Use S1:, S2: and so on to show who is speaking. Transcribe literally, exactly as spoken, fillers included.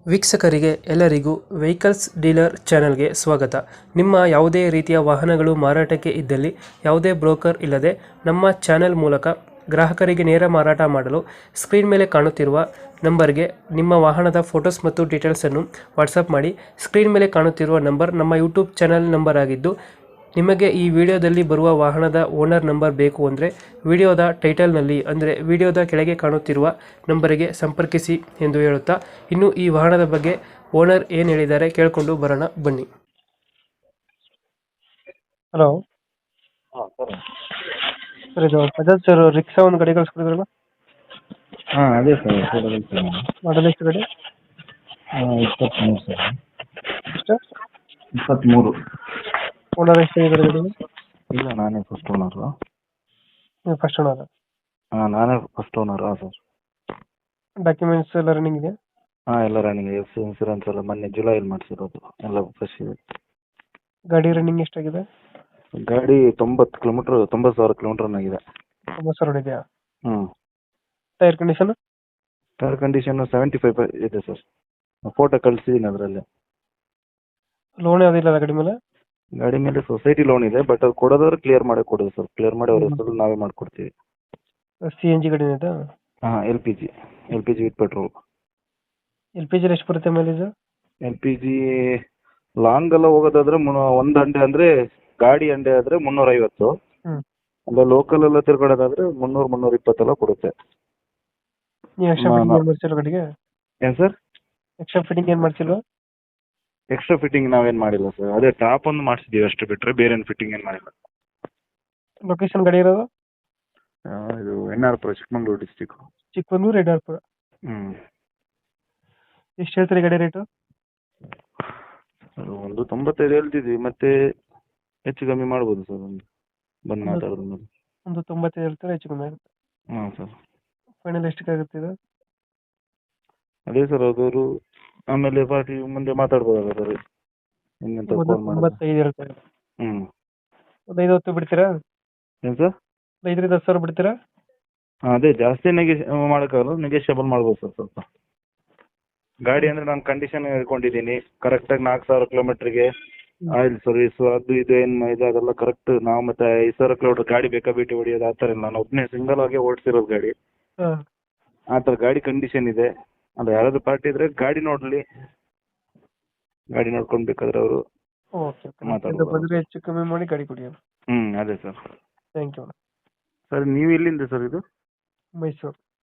S1: ವೀಕ್ಷಕರಿಗೆ ಎಲ್ಲರಿಗೂ vehicles dealer ಚಾನೆಲ್ಗೆ ಸ್ವಾಗತ. ನಿಮ್ಮ ಯಾವುದೇ ರೀತಿಯ ವಾಹನಗಳು ಮಾರಾಟಕ್ಕೆ ಇದ್ದಲ್ಲಿ ಯಾವುದೇ ಬ್ರೋಕರ್ ಇಲ್ಲದೆ ನಮ್ಮ ಚಾನೆಲ್ ಮೂಲಕ ಗ್ರಾಹಕರಿಗೆ ನೇರ ಮಾರಾಟ ಮಾಡಲು ಸ್ಕ್ರೀನ್ ಮೇಲೆ ಕಾಣುತ್ತಿರುವ ನಂಬರ್ಗೆ ನಿಮ್ಮ ವಾಹನದ ಫೋಟೋಸ್ ಮತ್ತು ಡೀಟೇಲ್ಸನ್ನು ವಾಟ್ಸಪ್ ಮಾಡಿ. ಸ್ಕ್ರೀನ್ ಮೇಲೆ ಕಾಣುತ್ತಿರುವ ನಂಬರ್ ನಮ್ಮ ಯೂಟ್ಯೂಬ್ ಚಾನೆಲ್ ನಂಬರ್ ಆಗಿದ್ದು, ನಿಮಗೆ ಈ ವಿಡಿಯೋದಲ್ಲಿ ಬರುವ ವಾಹನದ ಓನರ್ ನಂಬರ್ ಬೇಕು ಅಂದರೆ ವಿಡಿಯೋದ ಟೈಟಲ್ನಲ್ಲಿ ಅಂದರೆ ವಿಡಿಯೋದ ಕೆಳಗೆ ಕಾಣುತ್ತಿರುವ ನಂಬರಿಗೆ ಸಂಪರ್ಕಿಸಿ ಎಂದು ಹೇಳುತ್ತಾ, ಇನ್ನು ಈ ವಾಹನದ ಬಗ್ಗೆ ಓನರ್ ಏನು ಹೇಳಿದ್ದಾರೆ ಕೇಳಿಕೊಂಡು ಬರೋಣ ಬನ್ನಿ. ಹಲೋ
S2: ಹಾಂ ಸರ್.
S1: ಸರ್, ಇದು ಬಜಾಜ್ ಸರ್ ರಿಕ್ಸಾ ಒಂದು ಗಾಡಿ ಕಳಿಸ್ಕೊಡಿದ್ರಲ್ಲ,
S2: ಹಾಂ ಅದೇ ಸರ್ ಕೂಡಲೇ ಸರ್.
S1: ಮಾಡಲ್ ಎಷ್ಟು ಗಾಡಿ?
S2: ಹಾಂ ಇಪ್ಪತ್ತ್ಮೂರು ಸರ್.
S1: ಎಷ್ಟು?
S2: ಇಪ್ಪತ್ತ್ಮೂರು.
S1: ಓನರ್ ಎಷ್ಟಾಗಿದ್ದಾರೆ ಗಾಡಿ?
S2: ಇಲ್ಲ, ನಾನೇ ಫಸ್ಟ್ ಓನರು.
S1: ನೀವು ಫಸ್ಟ್ ಓನರ್?
S2: ಹಾಂ ನಾನೇ ಫಸ್ಟ್ ಓನರು. ಹಾಂ ಸರ್.
S1: ಡಾಕ್ಯುಮೆಂಟ್ಸ್ ಎಲ್ಲ ರನ್ನಿಂಗ್ ಇದೆ?
S2: ಹಾಂ ಎಲ್ಲ ರನ್ನಿಂಗ್. ಎಫ್ ಸಿ ಇನ್ಸೂರೆನ್ಸ್ ಎಲ್ಲ ಮೊನ್ನೆ ಜುಲೈಲಿ ಮಾಡಿಸಿರೋದು, ಎಲ್ಲ ಫ್ರೆಶ್ ಇದೆ.
S1: ಗಾಡಿ ರನ್ನಿಂಗ್ ಎಷ್ಟಾಗಿದೆ?
S2: ಗಾಡಿ ತೊಂಬತ್ತು ಕಿಲೋಮೀಟ್ರ್ ತೊಂಬತ್ತು ಸಾವಿರ ಕಿಲೋಮೀಟ್ರ್ ರನ್ ಆಗಿದೆ.
S1: ತುಂಬ ಸರ್ ಇದೆಯಾ?
S2: ಹ್ಞೂ.
S1: Tyre condition?
S2: Tyre condition seventy five ಇದೆ ಸರ್. ಫೋಟೋ ಕಳಿಸಿದ್ದೀನಿ ಅದರಲ್ಲಿ.
S1: ಲೋನ್ ಯಾವುದಿಲ್ಲ ಗಾಡಿ ಮೇಲೆ?
S2: ಗಾಡಿ ಮೇಲೆ ಸೊಸೈಟಿ ಲೋನ್ ಇದೆ, ಬಟ್ ಅದು ಕೊಡೋದಾದ್ರೆ ಕ್ಲಿಯರ್ ಮಾಡೇ ಕೊಡೋದು ಸರ್. ಕ್ಲಿಯರ್ ಮಾಡಿ ಅವ್ರ ಹೆಸರು ನಾವೇ ಮಾಡಿಕೊಡ್ತೀವಿ.
S1: ಸಿ ಎನ್ ಜಿ ಗಾಡಿನ ಇದೆ?
S2: ಹಾಂ L P G L P G with petrol.
S1: L P ಜಿಲಿ ಎಷ್ಟು ಬರುತ್ತೆ mileage?
S2: L P G long ಎಲ್ಲ ಹೋಗೋದಾದ್ರೆ ಮುನ್ನೂ ಒಂದು ಅಂಡೆ ಅಂದರೆ ಗಾಡಿ ಅಂಡೆ ಆದರೆ ಮುನ್ನೂರೈವತ್ತು.
S1: ಹ್ಞೂ.
S2: ಅಲ್ಲ ಲೋಕಲ್ ಎಲ್ಲ ತಿರ್ಗಾಡೋದಾದ್ರೆ ಮುನ್ನೂರು ಮುನ್ನೂರ ಇಪ್ಪತ್ತೆಲ್ಲ ಕೊಡುತ್ತೆ.
S1: ನೀವು ಎಕ್ಸ್ಟ್ರಾ ಫಿಟ್ಟಿಂಗ್ ಏನು ಮಾಡ್ಸಿಲ್ಲ ಗಾಡಿಗೆ?
S2: ಏನು ಸರ್?
S1: ಎಕ್ಸ್ಟ್ರಾ ಫಿಟ್ಟಿಂಗ್ ಏನು ಮಾಡ್ಸಿಲ್ವಾ?
S2: ಎಕ್ಸ್ಟ್ರಾ ಫಿಟ್ಟಿಂಗ್ ನಾವೇನು ಮಾಡಿಲ್ಲ ಸರ್. ಅದೇ ಟಾಪ್ ಒಂದು ಮಾಡಿಸಿದ್ದೀವಿ ಅಷ್ಟು ಬಿಟ್ಟರೆ ಬೇರೆ ಏನು ಫಿಟ್ಟಿಂಗ್ ಏನು ಮಾಡಿಲ್ಲ.
S1: ಲೊಕೇಶನ್ ಗಾಡಿ ಇರೋದು?
S2: ಆ, ಇದು ಎನ್ ಆರ್ ಪುರ, ಚಿಕ್ಕಮಂಗ್ಳೂರು ಡಿಸ್ಟಿಕ್ಕು.
S1: ಚಿಕ್ಕಮಂಗ್ಳೂರು ಯಡ್ರಾಪುರ.
S2: ಹ್ಞೂ.
S1: ಎಷ್ಟು ಹೇಳ್ತೀರಿ ಗಾಡಿ ರೇಟು?
S2: ಅದು ಒಂದು ತೊಂಬತ್ತೈದು ಹೇಳ್ತಿದ್ವಿ, ಮತ್ತೆ ಹೆಚ್ಚು ಕಮ್ಮಿ ಮಾಡ್ಬೋದು ಸರ್. ಒಂದು ಬಂದು ಮಾತಾಡೋದು ಮೇಲೆ.
S1: ಒಂದು ತೊಂಬತ್ತೈದು ಹೇಳ್ತಾರೆ, ಹೆಚ್ಚು ಕಮ್ಮಿ ಆಗುತ್ತೆ.
S2: ಹಾಂ ಸರ್.
S1: ಫೈನಲ್ ಎಷ್ಟಕ್ಕೆ ಆಗುತ್ತೆ ಇದು?
S2: ಅದೇ ಸರ್ ಅದವರು ಆಮೇಲೆ ಪಾರ್ಟಿ ಮುಂದೆ ಮಾತಾಡ್ಬೋದಲ್ಲ ಸರ್, ಇನ್ನೆಂತ
S1: ಒಂದು
S2: ಫೋನ್ ಮಾಡಿ.
S1: ತೊಂಬತ್ತೈದು ಹೇಳ್ತಾರೆ.
S2: ಹ್ಞೂ.
S1: ಒಂದು ಐದು ಹೊತ್ತು ಬಿಡ್ತೀರಾ?
S2: ಏನು ಸರ್?
S1: ಐದರಿಂದ ಹತ್ತು ಸಾವಿರ ಬಿಡ್ತೀರಾ?
S2: ಹಾಂ ಅದೇ ಜಾಸ್ತಿ ನೆಗೆಶ್ ಮಾಡೋಕ್ಕಾಗಲ್ಲ, ನೆಗೆಷಿಯಬಲ್ ಮಾಡ್ಬೋದು ಸರ್ ಸ್ವಲ್ಪ. ಗಾಡಿ ಅಂದರೆ ನಾನು ಕಂಡೀಷನ್ ಹೇಳ್ಕೊಂಡಿದ್ದೀನಿ ಕರೆಕ್ಟಾಗಿ. ನಾಲ್ಕು ಸಾವಿರ ಕಿಲೋಮೀಟ್ರಿಗೆ ಆಯಿಲ್ ಸರ್ವೀಸು ಅದು ಇದು ಏನು ಇದು ಅದೆಲ್ಲ ಕರೆಕ್ಟ್. ನಾವು ಮತ್ತೆ ಐದು ಸಾವಿರ ಕಿಲೋಮೀಟ್ರ್ ಗಾಡಿ ಬೇಕಾ ಬಿಟ್ಟು ಹೊಡಿಯೋದು ಆ ಥರ ಇಲ್ಲ. ನಾನು ಒಬ್ಬನೇ ಸಿಂಗಲ್ ಆಗಿ ಓಡಿಸಿರೋದು ಗಾಡಿ.
S1: ಹಾಂ.
S2: ಆ ಥರ ಗಾಡಿ ಕಂಡೀಷನ್ ಇದೆ. ಅದು ಯಾರಾದರೂ ಪಾರ್ಟಿ ಇದ್ದರೆ ಗಾಡಿ ನೋಡಲಿ, ಗಾಡಿ ನೋಡ್ಕೊಂಡು ಬೇಕಾದ್ರೆ ಅವರು
S1: ಓಕೆ ಓಕೆ.
S2: ಮಾತಾಡ್ಬೋದು.
S1: ಬಂದರೆ ಹೆಚ್ಚು ಕಮ್ಮಿ ಮಾಡಿ ಗಾಡಿ ಕೊಡಿ.
S2: ಹ್ಞೂ ಅದೇ ಸರ್.
S1: Thank you.
S2: ಸರ್ ನೀವು ಎಲ್ಲಿಂದ ಸರ್ ಇದು?
S1: ಮೈಸೂರು.